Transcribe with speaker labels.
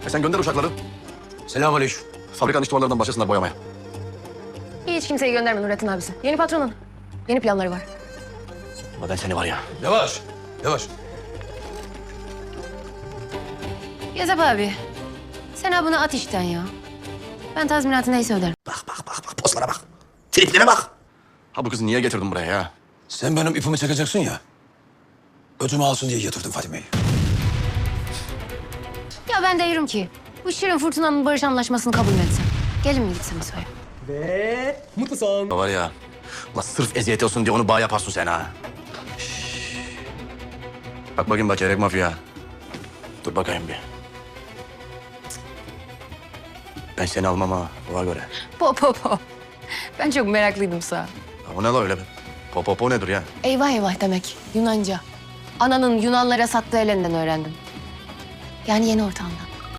Speaker 1: Sen gönder uşakları.
Speaker 2: Selamünaleyküm.
Speaker 1: Fabrikanın iç duvarlarından başlasınlar boyamaya.
Speaker 3: Hiç kimseyi gönderme Nurettin abisi. Yeni patronun. Yeni planları var.
Speaker 1: Ama ben seni var ya.
Speaker 2: Yavaş. Yavaş.
Speaker 3: Yazap abi. Sen ha bunu at işten ya. Ben tazminatı neyse öderim.
Speaker 1: Bak poslara bak. Triplere bak. Ha bu kızı niye getirdin buraya ya?
Speaker 2: Sen benim ipimi çekeceksin ya. Öcümü alsın diye getirdim Fadime'yi.
Speaker 3: Ya ben de diyorum ki bu Şirin Fırtına'nın barış anlaşmasını kabul mü etsem? Gelin mi gitsem İso'ya?
Speaker 4: Ve mutlu son.
Speaker 1: Var ya. La sırf eziyet olsun diye onu bağ yaparsın sen ha. Şşş. Bak bakayım bak çeyrek mafya. Dur bakayım bir. Ben seni almam ha. Ona göre.
Speaker 3: Po. Ben çok meraklıydım sağ.
Speaker 1: Ha, o ne la öyle be? Po nedir ya?
Speaker 3: Eyvah eyvah demek Yunanca. Ananın Yunanlara sattığı elinden öğrendim. Yani yeni ortamda.